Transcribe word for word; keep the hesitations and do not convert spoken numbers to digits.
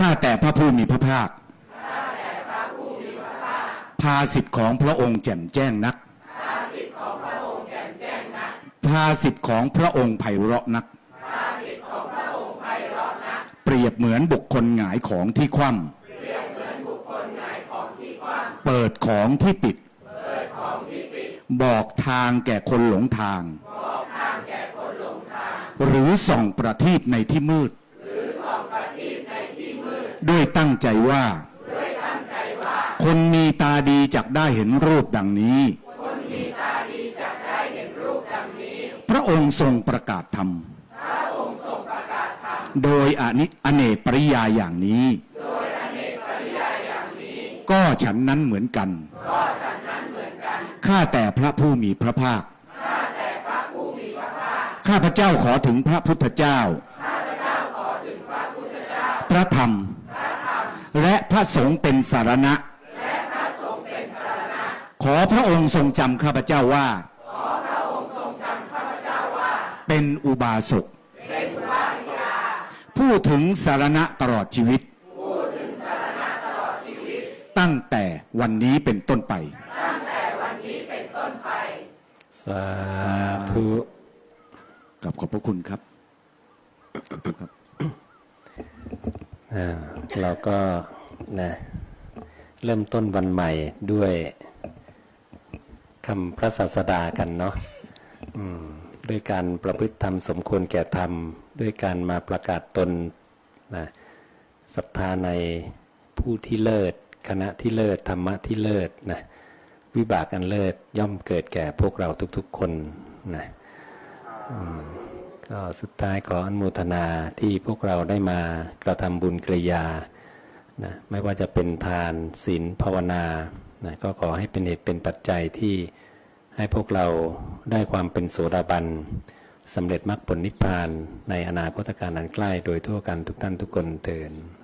ข้าแต่พระผู้มีพระภาคภาสิทธิ์ของพระองค์แจ่มแจ้งนักภาสิทธิ์ของพระองค์ไพเราะนักเปรียบเหมือนบุคคลหงายของที่คว่ำเปิดของที่ปิดบอกทางแก่คนหลงทางหรือส่องประทีปในที่มืดด้วยตั้งใจว่าคนมีตาดีจักได้เห็นรูปดังนี้พระองค์ทรงประกาศธรรมโดยอนิอเนกปริยายอย่างนี้ก็ฉันนั้นเหมือนกันข้าแต่พระผู้มีพระภาคข้าพเจ้าขอถึงพระพุทธเจ้าพระธรรมและพระสงฆ์เป็นสารณะขอพระองค์ทรงจำข้าพเจ้าว่าเป็นอุบาสกผู้ถึงสารณะตลอดชีวิตตั้งแต่วันนี้เป็นต้นไปสาธุกับขอบพระคุณครับเราก็นะเริ่มต้นวันใหม่ด้วยคำพระศาสดากันเนาะด้วยการประพฤติธรรมสมควรแก่ธรรมด้วยการมาประกาศตนนะศรัทธาในผู้ที่เลิศคณะที่เลิศธรรมะที่เลิศนะวิบากอันเลิศย่อมเกิดแก่พวกเราทุกๆคนนะก็สุดท้ายขออนุโมทนาที่พวกเราได้มากระทำบุญกริยานะไม่ว่าจะเป็นทานศีลภาวนานะก็ขอให้เป็นเหตุเป็นปัจจัยที่ให้พวกเราได้ความเป็นโสดาบันสำเร็จมรรคผลนิพพานในอนาคตการอันใกล้โดยทั่วกันทุกท่านทุกคนเถิด